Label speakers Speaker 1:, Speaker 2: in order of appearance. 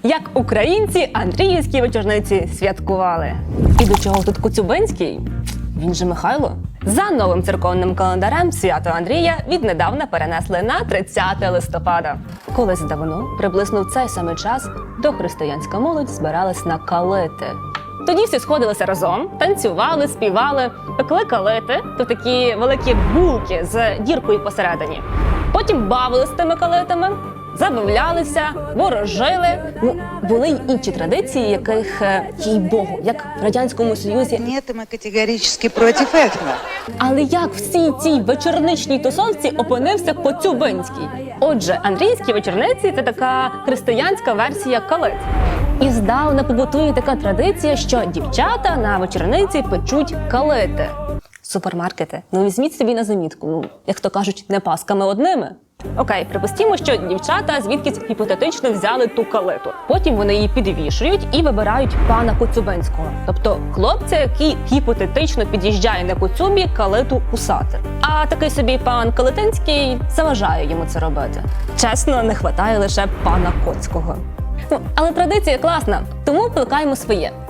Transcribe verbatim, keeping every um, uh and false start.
Speaker 1: Як українці Андріївські вечорниці святкували. І до чого тут Коцюбинський? Він же Михайло. За новим церковним календарем свято Андрія віднедавна перенесли на тридцяте листопада. Колись давно, приблизно в цей самий час, дохристиянська молодь збиралась на калити. Тоді всі сходилися разом, танцювали, співали, пекли калити, то такі великі булки з діркою посередині. Потім бавилися з тими калитами, забавлялися, ворожили. Ну, були й інші традиції, яких, їй Богу, як в Радянському Союзі.
Speaker 2: Ні, ми категорично проти этого.
Speaker 1: Але як в всій цій вечорничній тусовці опинився Коцюбинський? Отже, Андріївські вечорниці – це така християнська версія калит. І здавна побутує така традиція, що дівчата на вечорниці печуть калити. Супермаркети, ну візьміть собі на замітку, ну, як то кажуть, не пасками одними. Окей, припустімо, що дівчата звідкись гіпотетично взяли ту калиту. Потім вони її підвішують і вибирають пана Коцюбинського. Тобто хлопця, який гіпотетично під'їжджає на Коцюбі калиту кусати. А такий собі пан Калитинський заважає йому це робити. Чесно, не хватає лише пана Коцького. Ну, але традиція класна, тому плекаємо своє.